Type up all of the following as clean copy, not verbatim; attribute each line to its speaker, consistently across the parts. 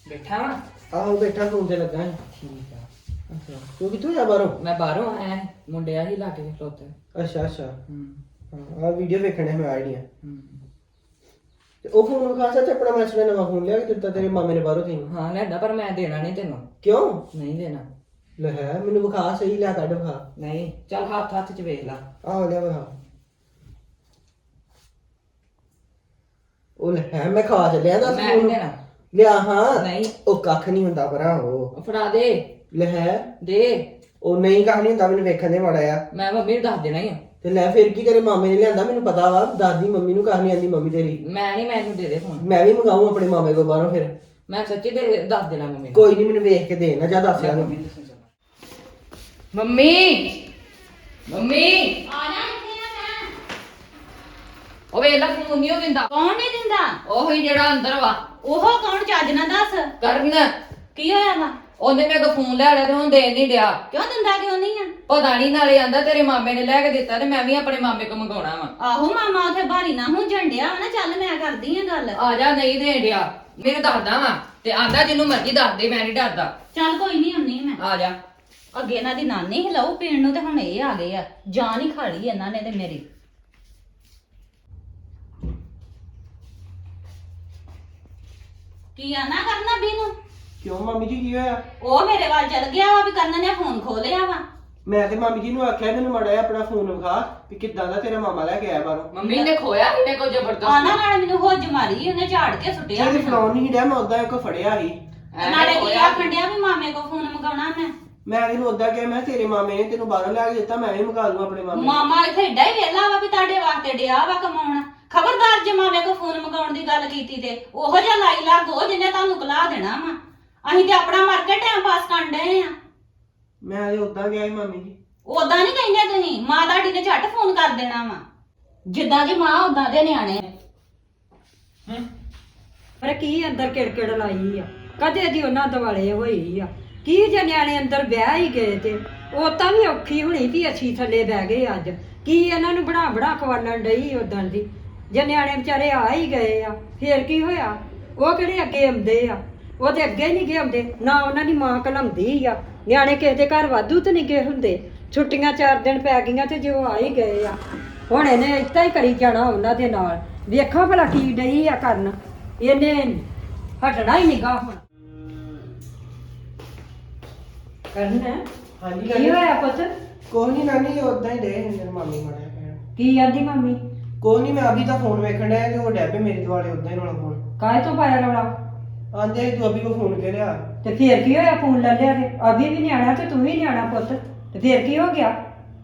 Speaker 1: ਬੈਠਾ ਵਾ।
Speaker 2: ਆਹੋ ਬੈਠਾ ਫੋਨ ਤੇ ਲੱਗਾ ਸੀ।
Speaker 1: ਠੀਕ ਆ।
Speaker 2: ਅੱਛਾ ਤੂੰ ਕਿੱਥੋਂ ਆ ਬਾਹਰੋਂ?
Speaker 1: ਮੈਂ ਬਾਹਰੋਂ ਆਇਆ ਸੀ, ਮੁੰਡੇ ਆ ਹੀ ਲਾਗੇ ਖਲੋਤੇ।
Speaker 2: ਅੱਛਾ
Speaker 1: ਹੂੰ
Speaker 2: ਹਾਂ ਆ ਵੀਡੀਓ ਵੇਖਣੇ ਮੈਂ ਆਈਡੀਆ
Speaker 1: ਹੂੰ।
Speaker 2: ਤੇ ਉਹ ਫੋਨ ਵਿਖਾ ਸੱਚ ਆਪਣਾ ਮੈਂ ਸੁਣਿਆ ਨਵਾਂ ਫੋਨ ਲਿਆ ਕਿ ਦਿੱਤਾ ਤੇਰੇ ਮਾਮੇ ਨੇ ਬਾਹਰੋਂ ਤੈਨੂੰ।
Speaker 1: ਹਾਂ ਲੈਂਦਾ, ਪਰ ਮੈਂ ਦੇਣਾ ਨਹੀਂ ਤੈਨੂੰ।
Speaker 2: ਕਿਉਂ?
Speaker 1: ਨਹੀਂ ਦੇਣਾ।
Speaker 2: ਲੈ ਹੈ ਮੈਨੂੰ ਵਿਖਾ ਸਹੀ ਲਿਆ ਕੱਢ ਵਿਖਾ।
Speaker 1: ਨਹੀਂ ਚੱਲ ਹੱਥ ਹੱਥ ਚ ਵੇਖ ਲਾ।
Speaker 2: ਆਹੋ ਲਿਆ ਵਿਖਾ। ਉਹ ਲੈ ਹੈ ਮੈਂ ਖਾ ਚੱਲਿਆ ਦੱਸ
Speaker 1: ਮੈਂ ਨਹੀਂ ਦੇਣਾ।
Speaker 2: ਲਿਆ ਹਾਂ
Speaker 1: ਨਹੀਂ।
Speaker 2: ਉਹ ਕੱਖ ਨਹੀਂ ਹੁੰਦਾ ਭਰਾ ਉਹ।
Speaker 1: ਉਹ ਫੜਾ ਦੇ।
Speaker 2: ਲੈ ਹੈ
Speaker 1: ਦੇ।
Speaker 2: ਉਹ ਨਹੀਂ ਕੱਖ ਨਹੀਂ ਹੁੰਦਾ ਮੈਨੂੰ ਵੇਖਣ ਦੇ ਮਾੜਾ ਆ।
Speaker 1: ਮੈਂ ਮੰਮੀ ਨੂੰ ਦੱਸ ਦੇਣਾ ਹੀ ਆ।
Speaker 2: ਤੇ ਲੈ ਫਿਰ ਕੀ ਕਰੇ ਮਾਮੇ ਨੇ ਲਿਆਂਦਾ ਮੈਨੂੰ ਪਤਾ ਵਾ ਦਾਦੀ ਮੰਮੀ ਨੂੰ ਕੱਖ ਨਹੀਂ ਆਂਦੀ ਮੰਮੀ ਤੇਰੀ।
Speaker 1: ਮੈਂ ਨਹੀਂ, ਮੈਨੂੰ ਦੇ ਦੇ ਫੋਨ।
Speaker 2: ਮੈਂ ਵੀ ਮੰਗਾਉਂ ਆਪਣੇ ਮਾਮੇ ਕੋਲ ਬਾਹਰੋਂ ਫਿਰ।
Speaker 1: ਮੈਂ ਸੱਚੀ ਦੇ ਦੱਸ ਦੇਣਾ ਮੰਮੀ ਨੂੰ।
Speaker 2: ਕੋਈ ਨਹੀਂ ਮੈਨੂੰ ਵੇਖ ਕੇ ਦੇ ਨਾ ਜਾ ਦੱਸ ਯਾਰ।
Speaker 1: ਮੰਮੀ ਮੰਮੀ
Speaker 3: ਆ ਜਾ ਇੱਥੇ ਆ ਮੈਂ।
Speaker 1: ਉਹ ਵੇਲਾ ਫੋਨ ਨਹੀਂ ਦਿੰਦਾ।
Speaker 3: ਕੌਣ ਨਹੀਂ ਦਿੰਦਾ?
Speaker 1: ਉਹ ਹੀ ਜਿਹੜਾ ਅੰਦਰ ਵਾ।
Speaker 3: ਉਹ ਕੌਣ? ਚੱਜ ਨਾ ਦੱਸ।
Speaker 1: ਕਰਨ
Speaker 3: ਕੀ ਹੋਇਆ ਵਾ?
Speaker 1: ਉਹਨੇ ਮੇਰੇ ਕੋਲ ਫੋਨ ਲੈ ਲਿਆ ਤੇ ਹੁਣ ਦੇਣ ਨਹੀਂ ਡਿਆ।
Speaker 3: ਕਿਉਂ ਦਿੰਦਾ ਕਿਉਂ ਨਹੀਂ ਆ?
Speaker 1: ਪਤਾ ਨਹੀਂ, ਨਾਲੇ ਆਂਦਾ ਤੇਰੇ ਮਾਮੇ ਨੇ ਲੈ ਕੇ ਦਿੱਤਾ ਤੇ ਮੈਂ ਵੀ ਆਪਣੇ ਮਾਮੇ ਕੋਲ ਮੰਗਾਉਣਾ ਵਾ।
Speaker 3: ਆਹੋ ਮਾਮਾ ਉਥੇ ਭਾਰੀ ਨਾ ਹੁਣ ਝੰਡਿਆ ਨਾ। ਚੱਲ ਮੈਂ ਕਰਦੀ ਆ ਗੱਲ।
Speaker 1: ਆ ਜਾ, ਨਹੀਂ ਦੇਣ ਡਿਆ। ਮੈਨੂੰ ਦੱਸਦਾ ਵਾ ਤੇ ਆਂਦਾ ਜਿਹਨੂੰ ਮਰਜ਼ੀ ਦੱਸ ਦੇ, ਮੈਂ ਨਹੀਂ ਡਰਦਾ।
Speaker 3: ਚੱਲ ਕੋਈ ਨਹੀਂ ਆਉਣੀ ਮੈਂ।
Speaker 1: ਆ ਜਾ।
Speaker 3: ਅੱਗੇ ਇਹਨਾਂ ਦੀ ਨਾਨੀ ਹਿਲਾਉ ਪੀਣ ਨੂੰ ਤੇ ਹੁਣ ਇਹ ਆ ਗਏ ਆ। ਜਾਨ ਹੀ ਖਾ ਲਈ ਇਹਨਾਂ ਨੇ ਤੇ ਮੇਰੀ। ਕੀ ਆਨਾ ਕਰਨਾ ਬੀਨੂੰ?
Speaker 2: ਕਿਉਂ ਮਾਮੀ ਜੀ ਕੀ ਹੋਇਆ?
Speaker 3: ਉਹ ਮੇਰੇ ਵੱਲ ਚਲ ਗਿਆ ਵਾ ਵੀ ਕਰਨ ਨੇ ਫੋਨ ਖੋਲਿਆ ਵਾ।
Speaker 2: ਮੈਂ ਤੇ ਮਾਮੀ ਜੀ ਨੂੰ ਆਖਿਆ ਮੈਨੂੰ ਮਾੜਾ ਜਿਹਾ ਆਪਣਾ ਫੋਨ ਵਿਖਾ ਵੀ ਕਿੱਦਾਂ ਦਾ ਤੇਰਾ ਮਾਮਾ ਲੈ ਕੇ ਆਇਆ ਬਾਹਰੋਂ।
Speaker 1: ਮੰਮੀ ਨੇ ਖੋਇਆ ਇਹਨੇ ਕੋ
Speaker 3: ਆਨਾ
Speaker 1: ਜ਼ਬਰਦਸਤ।
Speaker 3: ਨਾਲ ਮੈਨੂੰ ਹੁੱਜ ਮਾਰੀ ਉਹਨੇ ਝਾੜ ਕੇ ਸੁੱਟਿਆ
Speaker 2: ਜੇ
Speaker 3: ਮੈਨੂੰ।
Speaker 2: ਫਲਾਉਣ ਨਹੀਂ ਡਿਆ ਮੈਂ ਉਦਾਂ ਇੱਕ ਫੜਿਆ ਸੀ।
Speaker 3: ਨਾਲੇ ਕੀ ਆਖਣ ਡਿਆ ਵੀ ਮਾਮੇ ਕੋ ਫੋਨ ਮੰਗਾਉਣਾ ਮੈਂ।
Speaker 2: ਮੈਂ ਇਹਨੂੰ ਉਦਾਂ ਕਿਹਾ ਮੈਂ ਤੇਰੇ ਮਾਮੇ ਨੇ ਤੈਨੂੰ ਬਾਹਰੋਂ ਲੈ ਕੇ ਦਿੱਤਾ ਮੈਂ ਵੀ ਮੰਗਾ ਲੂੰ ਆਪਣੇ ਮਾਮੇ ਨੂੰ।
Speaker 3: ਮਾਮਾ ਇੱਥੇ ਏਡਾ ਹੀ ਵੇਲਾ ਵਾ ਵੀ ਤੁਹਾਡੇ ਵਾਸਤੇ ਡਿਆ ਵਾ ਕਮਾਉਣ। ਖਬਰਦਾਰ ਜੇ ਮਾਮੇ ਕੋ ਫੋਨ ਮੰਗਾਉਣ ਦੀ ਗੱਲ ਕੀਤੀ ਤੇ ਉਹੋ ਜਿਹਾ ਲਾਈ ਲਾਗੋ ਜਿਹਨੇ ਤੁਹਾਨੂੰ ਕਲਾ ਦੇਣਾ ਵਾ। ਅਸੀਂ ਤੇ ਆਪਣਾ ਮਰ ਕੇ ਟਾਈਮ ਪਾਸ ਕਰਨ ਡਏ ਆ।
Speaker 2: ਮੈਂ ਇਹ ਉਦਾਂ ਗਿਆ ਸੀ ਮਾਮੀ ਜੀ।
Speaker 3: ਉਦਾਂ ਨਹੀਂ ਕਹਿੰਦੇ ਤੁਸੀਂ। ਮਾਂ ਤੁਹਾਡੀ ਨੇ ਝੱਟ ਫੋਨ ਕਰ ਦੇਣਾ ਵਾ। ਜਿੱਦਾਂ ਦੀ ਮਾਂ ਉਦਾਂ ਦੇ ਨਿਆਣੇ।
Speaker 4: ਪਰ ਕੀ ਅੰਦਰ ਕਿੜਕਿੜ ਲਾਈ ਆ? ਕਦੇ ਦੀ ਉਹਨਾਂ ਦਿਵਾਲੇ ਹੋਈ ਆ। ਕੀ ਜੇ ਨਿਆਣੇ ਅੰਦਰ ਵਿਆਹ ਹੀ ਗਏ ਤੇ ਉਹ ਤਾਂ ਵੀ ਔਖੀ ਹੋਣੀ ਵੀ ਅਸੀਂ ਥੱਲੇ ਬਹਿ ਗਏ ਅੱਜ। ਕੀ ਇਹਨਾਂ ਨੂੰ ਬਣਾ ਬਣਾ ਖਵਾਲਣ ਡਈ ਉਦੋਂ ਦੀ। ਜੇ ਨਿਆਣੇ ਵਿਚਾਰੇ ਆ ਹੀ ਗਏ ਆ ਫੇਰ ਕੀ ਹੋਇਆ? ਉਹ ਕਿਹੜੇ ਅੱਗੇ ਆਉਂਦੇ ਆ? ਉਹ ਤੇ ਅੱਗੇ ਨਹੀਂ ਗਏ ਆਉਂਦੇ ਨਾ। ਉਹਨਾਂ ਦੀ ਮਾਂ ਘਲਾਉਂਦੀ ਆ। ਨਿਆਣੇ ਕਿਸੇ ਦੇ ਘਰ ਵਾਧੂ ਤੇ ਨਹੀਂ ਗਏ ਹੁੰਦੇ। ਛੁੱਟੀਆਂ 4 ਦਿਨ ਪੈ ਗਈਆਂ ਤੇ ਜੇ ਉਹ ਆ ਹੀ ਗਏ ਆ ਹੁਣ ਇਹਨੇ ਏਦਾਂ ਹੀ ਕਰੀ ਜਾਣਾ ਉਹਨਾਂ ਦੇ ਨਾਲ। ਵੇਖਾਂ ਭਲਾ ਕੀ ਡਈ ਆ ਕਰਨ। ਇਹਨੇ ਹਟਣਾ ਹੀ ਨਹੀਂਗਾ ਹੁਣ। ਕਰਨਾ
Speaker 2: ਹਾਂਜੀ
Speaker 4: ਕੀ ਹੋਇਆ ਪੁੱਤ?
Speaker 2: ਕੋਈ ਨਹੀਂ ਨਾਨੀ ਉਦਾਂ ਹੀ ਦੇ ਮੇਰੇ ਮਾਮੀ ਮਾੜਾ ਕਹਿਣ।
Speaker 4: ਕੀ ਆਂਦੀ ਮੰਮੀ?
Speaker 2: ਕੋਈ ਨਹੀਂ ਮੈਂ ਅਭੀ ਤਾਂ ਫੋਨ ਵੇਖਣ ਡਿਆ ਤੇ ਉਹ ਡੈਬੇ ਮੇਰੇ ਦੁਆਲੇ ਉਦਾਂ ਹੀ ਰੌਲਾ ਫੋਨ
Speaker 4: ਕਾਹੇ ਤੋਂ ਪਾਇਆ ਰੌਲਾ?
Speaker 2: ਆਂਦੇ ਤੂੰ ਅਭੀ ਕੋ ਫੋਨ ਕੇ ਲਿਆ।
Speaker 4: ਤੇ ਫੇਰ ਕੀ ਹੋਇਆ? ਫੋਨ ਲੈ ਲਿਆ ਤੇ ਅਭੀ ਵੀ ਨਿਆਣਾ ਤੇ ਤੂੰ ਵੀ ਨਿਆਣਾ ਪੁੱਤ। ਤੇ ਫੇਰ ਕੀ ਹੋ ਗਿਆ?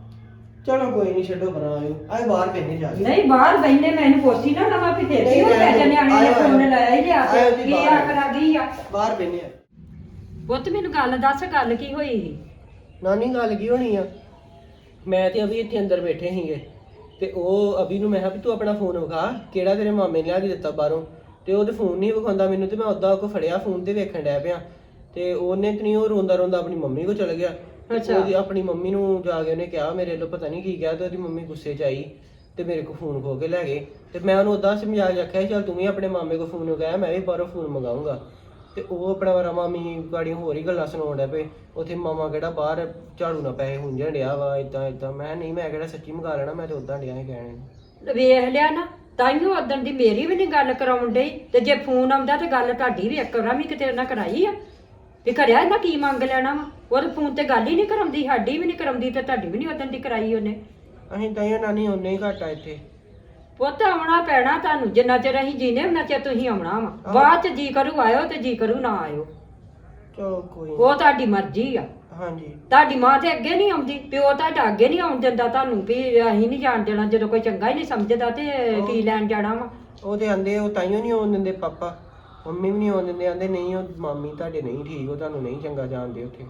Speaker 2: ਚਲੋ ਕੋਈ ਨਹੀਂ ਛੱਡੋ ਪਰਾਂ ਆਇਓ ਆਏ ਬਾਹਰ ਬੈਠੇ ਜਾ ਕੇ।
Speaker 4: ਨਹੀਂ ਬਾਹਰ ਬੈਠੇ ਮੈਨੂੰ ਪੁੱਛੀ ਨਾ ਲਵਾਂ ਵੀ ਫੇਰ ਕੀ ਹੋ ਗਿਆ? ਜੇ ਨਿਆਣੇ ਨੇ ਫੋਨ ਲਾਇਆ ਹੀ ਲਿਆ ਕੇ ਕੀ ਆਖਰ ਆ ਗਈ ਆ?
Speaker 2: ਬਾਹਰ ਬੈਠੇ ਆ।
Speaker 4: ਪੁੱਤ ਮੈਨੂੰ ਗੱਲ ਦੱਸ, ਗੱਲ ਕੀ ਹੋਈ ਸੀ?
Speaker 2: ਨਾਨੀ ਗੱਲ ਕੀ ਹੋਣੀ ਆ? ਮੈਂ ਤੇ ਅਭੀ ਇੱਥੇ ਅੰਦਰ ਬੈਠੇ ਸੀਗੇ ਤੇ ਉਹ ਅਭੀ ਨੂੰ ਮੈਂ ਕਿਹਾ ਵੀ ਤੂੰ ਆਪਣਾ ਫੋਨ ਵਿਖਾ ਕਿਹੜਾ ਤੇਰੇ ਮਾਮੇ ਨੇ ਲਿਆ ਕੇ ਦਿੱਤਾ ਬਾਹਰੋਂ। ਤੇ ਉਹ ਤੇ ਫੋਨ ਨਹੀਂ ਵਿਖਾਉਂਦਾ ਮੈਨੂੰ ਤੇ ਮੈਂ ਉਦਾਂ ਕੋ ਫੜਿਆ ਫੋਨ ਤੇ ਵੇਖਣ ਡਿਆ ਪਿਆ ਤੇ ਉਹਨੇ ਤੇ ਨਹੀਂ ਉਹ ਰੋਂਦਾ ਰੋਂਦਾ ਆਪਣੀ ਮੰਮੀ ਕੋ ਚਲ ਗਿਆ। ਉਹਦੀ ਆਪਣੀ ਮੰਮੀ ਨੂੰ ਜਾ ਕੇ ਉਹਨੇ ਕਿਹਾ ਮੇਰੇ ਵੱਲੋਂ ਪਤਾ ਨਹੀਂ ਕੀ ਕਿਹਾ ਤੇ ਉਹਦੀ ਮੰਮੀ ਗੁੱਸੇ 'ਚ ਆਈ ਤੇ ਮੇਰੇ ਕੋ ਫੋਨ ਖੋ ਕੇ ਲੈ ਗਏ। ਤੇ ਮੈਂ ਉਹਨੂੰ ਉਦਾਂ ਸਮਝਾ ਕੇ ਆਖਿਆ ਚੱਲ ਤੂੰ ਵੀ ਆਪਣੇ ਮਾਮੇ ਕੋ ਫੋਨ ਮੰਗਾਇਆ ਮੈਂ ਵੀ ਬਾਹਰੋਂ ਫੋਨ ਮੰਗਾਉਂਗਾ। ਤੇ ਉਹ ਆਪਣਾ ਵਾਰਾ ਮਾਮੀ ਗਾੜੀ ਹੋਰ ਹੀ ਗੱਲਾਂ ਸੁਣਾਉਣ ਡਿਆ ਪਏ। ਉੱਥੇ ਮਾਮਾ ਕਿਹੜਾ ਬਾਹਰ ਝਾੜੂ ਨਾਲ ਪੈਸੇ ਹੁੰਝਣ ਡਿਆ ਵਾ ਏਦਾਂ ਏਦਾਂ। ਮੈਂ ਨਹੀਂ, ਮੈਂ ਕਿਹੜਾ ਸੱਚੀ ਮੰਗਾ ਲੈਣਾ, ਮੈਂ ਤੇ ਉਦਾਂ ਡਿਆ ਸੀ ਕਹਿਣੇ।
Speaker 4: ਵੇਖ ਲਿਆ ਨਾ, ਤਾਈਓ ਉਦੋਂ ਦੀ ਮੇਰੀ ਵੀ ਨਹੀਂ ਗੱਲ ਕਰਾਉਣ ਡਈ ਤੇ ਜੇ ਫੋਨ ਆਉਂਦਾ ਤੇ ਗੱਲ ਤੁਹਾਡੀ ਵੀ ਇੱਕ ਵਾਰ ਵੀ ਕਿਤੇ ਉਹਨਾਂ ਕਰਾਈ ਆ ਵੀ ਕਰਿਆ ਇਹਨਾਂ ਕੀ ਮੰਗ ਲੈਣਾ ਵਾ? ਉਹਦੇ ਫੋਨ ਤੇ ਗੱਲ ਹੀ ਨਹੀਂ ਕਰਾਉਂਦੀ, ਸਾਡੀ ਵੀ ਨਹੀਂ ਕਰਾਉਂਦੀ ਤੇ ਤੁਹਾਡੀ ਵੀ ਨਹੀਂ ਉਦੋਂ ਦੀ ਕਰਾਈ ਉਹਨੇ।
Speaker 2: ਅਸੀਂ ਤਾਂ ਇਹ ਨਾਨੀ ਉਹਨੇ ਹੀ ਘੱਟ ਆ ਇੱਥੇ।
Speaker 4: ਪੁੱਤ ਆਉਣਾ ਪੈਣਾ ਤੁਹਾਨੂੰ, ਜਿੰਨਾ ਚਿਰ ਅਸੀਂ ਜੀਨੇ ਉਹਨਾਂ ਚਿਰ ਤੁਸੀਂ ਆਉਣਾ ਵਾ। ਬਾਅਦ ਚ ਜੀ ਕਰੂ ਆਇਓ ਤੇ ਜੀ ਕਰੂ ਨਾ ਆਇਓ,
Speaker 2: ਚਲੋ ਕੋਈ ਨੀ।
Speaker 4: ਉਹ ਤੁਹਾਡੀ ਮਰਜ਼ੀ ਆ।
Speaker 2: ਹਾਂਜੀ
Speaker 4: ਤੁਹਾਡੀ ਮਾਂ ਤੇ ਅੱਗੇ ਨਹੀਂ ਆਉਂਦੀ, ਪਿਓ ਤੁਹਾਡਾ ਅੱਗੇ ਨਹੀਂ ਆਉਣ ਦਿੰਦਾ ਤੁਹਾਨੂੰ ਵੀ ਅਸੀਂ ਨਹੀਂ ਜਾਣ ਦੇਣਾ। ਜਦੋਂ ਕੋਈ ਚੰਗਾ ਹੀ ਨਹੀਂ ਸਮਝਦਾ ਤੇ ਕੀ ਲੈਣ ਜਾਣਾ ਵਾ?
Speaker 2: ਉਹ ਤੇ ਆਂਦੇ ਉਹ ਤਾਈਓ ਨਹੀਂ ਆਉਣ ਦਿੰਦੇ, ਪਾਪਾ ਮੰਮੀ ਵੀ ਨਹੀਂ ਆਉਣ ਦਿੰਦੇ। ਆਂਦੇ ਨਹੀਂ ਉਹ ਮਾਮੀ ਤੁਹਾਡੇ ਨਹੀਂ ਠੀਕ, ਉਹ ਤੁਹਾਨੂੰ ਨਹੀਂ ਚੰਗਾ ਜਾਣਦੇ ਉੱਥੇ।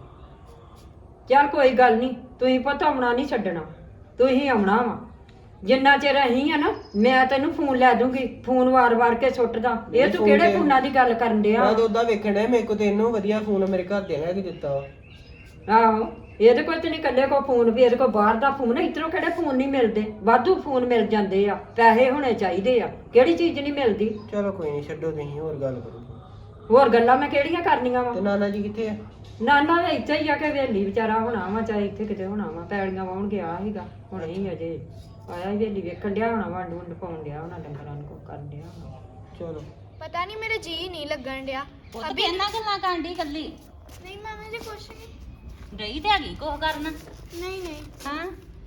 Speaker 4: ਚੱਲ ਕੋਈ ਗੱਲ ਨਹੀਂ, ਤੁਸੀਂ ਪੁੱਤ ਆਉਣਾ ਨਹੀਂ ਛੱਡਣਾ, ਤੁਸੀਂ ਆਉਣਾ ਵਾ। ਜਿੰਨਾ ਚਿਰ ਅਸੀਂ ਆ ਨਾ ਮੈਂ ਤੈਨੂੰ ਫੋਨ ਲੈ ਦੂੰਗੀ, ਫੋਨ ਵਾਰ-ਵਾਰ ਕੇ ਸੁੱਟਦਾ। ਇਹ ਤੂੰ ਕਿਹੜੇ ਫੋਨਾਂ ਦੀ ਗੱਲ ਕਰਨ ਡਿਆ?
Speaker 2: ਮੈਂ ਤਾਂ ਉਦਾਂ ਵੇਖਣ ਡਿਆ ਮੇਰੇ ਕੋਲ ਤੇ ਇਹਨੂੰ ਵਧੀਆ ਫੋਨ ਮੇਰੇ ਘਰ ਦੇ ਲੈ ਕੇ ਦਿੱਤਾ ਵਾ।
Speaker 4: ਆਹੋ ਇਹਦੇ ਕੋਲ ਤੇ ਨਹੀਂ ਇਕੱਲੇ ਕੋ ਫੋਨ ਵੀ, ਇਹਦੇ ਕੋਲ ਬਾਹਰ ਦਾ ਫੋਨ ਹੈ। ਇੱਧਰੋਂ ਕਿਹੜੇ ਫੋਨ ਨਹੀਂ ਮਿਲਦੇ, ਵਾਧੂ ਫੋਨ ਮਿਲ ਜਾਂਦੇ ਆ। ਪੈਸੇ ਹੋਣੇ ਚਾਹੀਦੇ ਆ, ਕਿਹੜੀ ਚੀਜ਼ ਨਹੀਂ ਮਿਲਦੀ।
Speaker 2: ਚਲੋ ਕੋਈ ਨਹੀਂ ਛੱਡੋ, ਤੁਸੀਂ ਹੋਰ ਗੱਲ ਕਰੋ।
Speaker 4: ਹੋਰ ਗੱਲਾਂ ਮੈਂ ਕਿਹੜੀਆਂ ਕਰਨੀਆਂ ਵਾ?
Speaker 2: ਤੇ ਨਾਨਾ ਜੀ ਕਿੱਥੇ ਆ?
Speaker 4: ਨਾਨਾ ਵੀ ਇੱਥੇ ਹੀ ਆ ਕੇ ਵੇਲੀ ਵਿਚਾਰਾ ਹੋਣਾ ਵਾ, ਚਾਹੇ ਇੱਥੇ ਕਿਤੇ ਹੋਣਾ ਵਾ। ਪੈੜੀਆਂ ਵਾਉਣ ਗਿਆ ਸੀਗਾ, ਹੁਣੇ ਹੀ ਅਜੇ ਆਇਆ ਹੀ ਵੇਲੀ ਵੇਖਣ ਡਿਆ ਹੋਣਾ, ਵੰਡ ਵੁੰਡ ਪਾਉਣ ਡਿਆ ਹੋਣਾ, ਡੰਗਰਾਂ ਨੂੰ ਕੁਛ ਕਰਨ ਡਿਆ ਹੋਣਾ।
Speaker 2: ਚਲੋ
Speaker 5: ਪਤਾ ਨਹੀਂ ਮੇਰਾ ਜੀ ਨਹੀਂ ਲੱਗਣ ਡਿਆ।
Speaker 3: ਉਹ ਤੇ ਇਹਨਾਂ ਗੱਲਾਂ ਕਰਨ ਦੀ ਕੱਲੀ
Speaker 5: ਨਹੀਂ ਮਾਮਾ ਜੀ ਕੁਛ ਨਹੀਂ।
Speaker 3: ਰਹੀ ਤੇ ਹੈਗੀ ਕੁਛ ਕਰਨ।
Speaker 5: ਨਹੀਂ ਨਹੀਂ।
Speaker 3: ਹਾਂ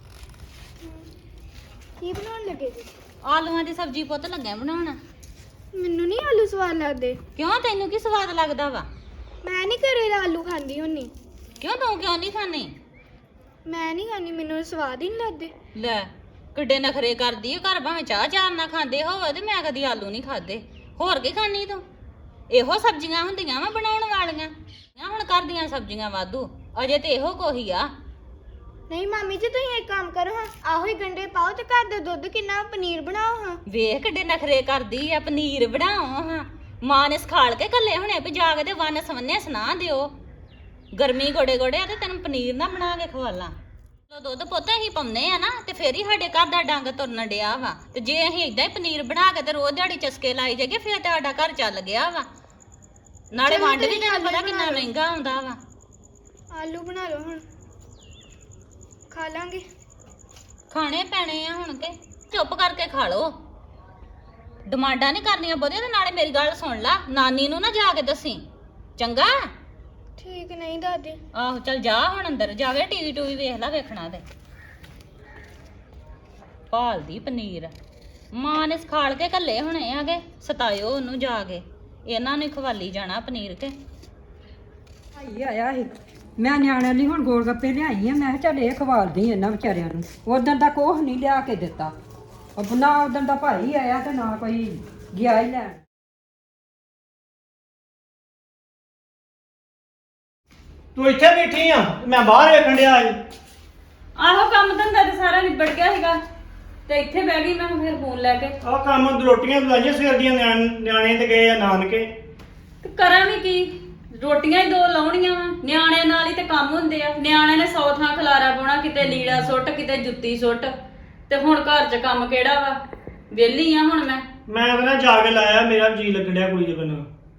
Speaker 5: ਕੀ ਬਣਾਉਣ ਲੱਗੇ ਜੀ?
Speaker 3: ਆਲੂਆਂ ਦੀ ਸਬਜ਼ੀ ਪੁੱਤ ਲੱਗਿਆ ਬਣਾਉਣ।
Speaker 5: ਮੈਨੂੰ ਨਹੀਂ ਆਲੂ ਸਵਾਦ ਲੱਗਦੇ।
Speaker 3: ਕਿਉਂ ਤੈਨੂੰ ਕੀ ਸਵਾਦ ਲੱਗਦਾ ਵਾ?
Speaker 5: ਮੈਂ ਨਹੀਂ ਘਰੇ ਆਲੂ ਖਾਂਦੀ ਹੁੰਨੀ।
Speaker 3: ਕਿਉਂ ਤੂੰ ਕਿਉਂ ਨਹੀਂ ਖਾਣੀ?
Speaker 5: ਮੈਂ ਨਹੀਂ ਖਾਂਦੀ, ਮੈਨੂੰ ਸਵਾਦ ਹੀ ਨਹੀਂ ਲੱਗਦੇ।
Speaker 3: ਲੈ ਕਿੱਡੇ ਨਖਰੇ ਕਰਦੀ ਏ, ਘਰ ਭਾਵੇਂ ਚਾਹ ਚਾਰ ਨਾ ਖਾਂਦੇ ਹੋਵੇ ਤੇ ਮੈਂ ਕਦੀ ਆਲੂ ਨਹੀਂ ਖਾਦੇ। ਹੋਰ ਕੀ ਖਾਣੀ ਤੂੰ? ਇਹੋ ਸਬਜ਼ੀਆਂ ਹੁੰਦੀਆਂ ਵਾ ਬਣਾਉਣ ਵਾਲੀਆਂ। ਹੁਣ ਕਰਦੀਆਂ ਸਬਜ਼ੀਆਂ ਵਾਧੂ, ਅਜੇ ਤੇ ਇਹੋ ਕੋਹੀ ਆ।
Speaker 5: ਨਹੀਂ ਮਾਮੀ ਜੀ ਤੁਸੀਂ ਇੱਕ ਕੰਮ ਕਰੋ ਹਾਂ, ਆਹੋ ਹੀ ਗੰਡੇ ਪਾਓ ਤੇ ਘਰ ਦਾ ਦੁੱਧ ਕਿੰਨਾ ਪਨੀਰ ਬਣਾਓ ਹਾਂ।
Speaker 3: ਵੇਖ ਕਿੱਡੇ ਨਖਰੇ ਕਰਦੀ ਆ, ਪਨੀਰ ਬਣਾਓ ਹਾਂ। ਮਾਂ ਨੇ ਸਿਖਾਲ ਕੇ ਘੱਲੇ ਹੁਣੇ ਵੀ ਜਾ ਕੇ ਤੇ ਵੰਨ ਸਵੰਨੇ ਸੁਣਾ ਦਿਓ। ਗਰਮੀ ਗੋੜੇ ਗੋੜੇ ਆ ਤੇ ਤੈਨੂੰ ਪਨੀਰ ਨਾ ਬਣਾ ਕੇ ਖਵਾਲਾਂ। ਦੁੱਧ ਪੁੱਤ ਅਸੀਂ ਪਾਉਂਦੇ ਆ ਨਾ ਤੇ ਫੇਰ ਹੀ ਸਾਡੇ ਘਰ ਦਾ ਡੰਗ ਤੁਰਨ ਡਿਆ ਵਾ। ਤੇ ਜੇ ਅਸੀਂ ਏਦਾਂ ਹੀ ਪਨੀਰ ਬਣਾ ਕੇ ਤੇ ਰੋਜ਼ ਦਿਹਾੜੀ ਚਸਕੇ ਲਾਈ ਜਾਈਏ ਫੇਰ ਤੇ ਸਾਡਾ ਘਰ ਚੱਲ ਗਿਆ ਵਾ। ਨਾਲੇ ਵੰਡ ਵੀ ਤੈਨੂੰ ਪਤਾ ਕਿੰਨਾ ਮਹਿੰਗਾ ਆਉਂਦਾ ਵਾ।
Speaker 5: ਆਲੂ ਬਣਾ ਲਓ ਹੁਣ, ਖਾ ਲਾਂਗੇ।
Speaker 3: ਖਾਣੇ ਪੈਣੇ ਆ ਹੁਣ ਕੇ ਚੁੱਪ ਕਰਕੇ ਖਾ ਲੋ। ਡਿਮਾਂਡਾਂ ਨਹੀਂ ਕਰਨੀਆਂ ਬਹੁਤੀਆਂ। ਤੇ ਨਾਲੇ ਮੇਰੀ ਗੱਲ ਸੁਣ ਲਾ, ਨਾਨੀ ਨੂੰ ਨਾ ਜਾ ਕੇ ਦੱਸੀ, ਚੰਗਾ?
Speaker 5: ਠੀਕ ਨਹੀਂ ਦਾਦੀ।
Speaker 3: ਆਹੋ ਚੱਲ ਜਾ ਹੁਣ ਅੰਦਰ ਜਾਵੇ, ਟੀਵੀ ਟੂਵੀ ਵੇਖ ਲੈ, ਵੇਖਣਾ ਤੇ ਭਾਲਦੀ ਪਨੀਰ। ਮਾਂ ਨੇ ਸਿਖਾਲ ਕੇ ਘੱਲੇ ਹੁਣੇ ਆਗੇ, ਸਤਾਇਓ ਉਹਨੂੰ ਜਾ ਕੇ। ਇਹਨਾਂ ਨੂੰ ਖਵਾਲੀ ਜਾਣਾ ਪਨੀਰ ਕੇ।
Speaker 4: ਭਾਈ ਆਇਆ ਸੀ, ਮੈਂ ਨਿਆਣਿਆਂ ਲਈ ਹੁਣ ਗੋਲ ਗੱਪੇ ਲਿਆਈ ਆ। ਮੈਂ ਕਿਹਾ ਚੱਲ ਇਹ ਖਵਾਲਦੀ ਇਹਨਾਂ ਵਿਚਾਰਿਆਂ ਨੂੰ। ਉਦੋਂ ਦਾ ਕੋਹ ਨਹੀਂ ਲਿਆ ਕੇ ਦਿੱਤਾ। ਨਾ ਉਦੋਂ ਦਾ ਭਾਈ ਆਇਆ ਤੇ ਨਾ ਕੋਈ ਗਿਆ ਹੀ ਲੈਣ।
Speaker 6: ਤੂੰ ਇੱਥੇ ਬੈਠੀ ਆ, ਮੈਂ ਬਾਹਰ ਵੇਖਣ ਡਿਆ ਸੀ।
Speaker 3: ਆਹੋ ਕੰਮ ਧੰਦਾ ਤੇ ਸਾਰਾ ਨਿਬੜ ਗਿਆ ਸੀਗਾ ਤੇ ਇੱਥੇ ਬਹਿ ਗਈ ਮੈਂ ਫਿਰ ਫੋਨ ਲੈ ਕੇ।
Speaker 6: ਆਹ ਕੰਮ ਰੋਟੀਆਂ ਬੁਲਾਈਆਂ ਸਵੇਰ ਦੀਆਂ, ਨਿਆਣੇ ਤੇ ਗਏ ਆ ਨਾਨਕੇ।
Speaker 3: ਤੇ ਕਰਾਂ ਵੀ ਕੀ, ਰੋਟੀਆਂ ਹੀ ਦੋ ਲਾਉਣੀਆਂ ਵਾ। ਨਿਆਣਿਆਂ ਨਾਲ ਹੀ ਤੇ ਕੰਮ ਹੁੰਦੇ ਆ। ਨਿਆਣਿਆਂ ਨੇ 100 ਥਾਂ ਖਲਾਰਾ ਪਾਉਣਾ, ਕਿਤੇ ਲੀੜਾ ਸੁੱਟ, ਕਿਤੇ ਜੁੱਤੀ ਸੁੱਟ। ਤੇ ਹੁਣ ਘਰ 'ਚ ਕੰਮ ਕਿਹੜਾ ਵਾ? ਵਿਹਲੀ ਆ ਹੁਣ ਮੈਂ
Speaker 6: ਤਾਂ ਨਾ ਜਾ ਕੇ ਲਾਇਆ, ਮੇਰਾ ਜੀ ਲੱਗਣ ਡਿਆ ਕੁੜੀ ਦੇ ਬਿਨਾਂ।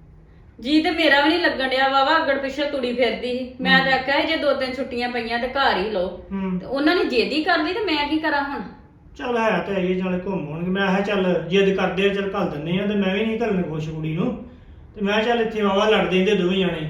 Speaker 3: ਜੀ ਤੇ ਮੇਰਾ ਵੀ ਨਹੀਂ ਲੱਗਣ ਡਿਆ ਵਾਵਾ। ਅੱਗੜ ਪਿੱਛੇ ਤੁੜੀ ਫਿਰਦੀ ਸੀ। ਮੈਂ ਤਾਂ ਆਖਿਆ ਸੀ ਜੇ 2-3 ਛੁੱਟੀਆਂ ਪਈਆਂ ਤੇ ਘਰ ਹੀ ਲਓ। ਤੇ ਉਹਨਾਂ ਨੇ ਜਿੱਦ ਹੀ ਕਰ ਲਈ ਤੇ ਮੈਂ ਕੀ ਕਰਾਂ ਹੁਣ?
Speaker 6: ਚੱਲ ਹੈ ਤੇ ਆਈਏ, ਨਾਲੇ ਘੁੰਮ ਆਉਣਗੇ। ਮੈਂ ਕਿਹਾ ਚੱਲ ਜਿੱਦ ਕਰਦੇ ਆ, ਚੱਲ ਘੱਲ ਦਿੰਦੇ ਆ। ਤੇ ਮੈਂ ਵੀ ਨਹੀਂ ਧਰਨ ਖੁਸ਼ ਕੁੜੀ ਨੂੰ। ਤੇ ਮੈਂ ਕਿਹਾ ਚੱਲ ਇੱਥੇ ਵਾਵਾ ਲੜਦੇ ਇਹਦੇ ਦੋਵੇਂ ਜਾਣੇ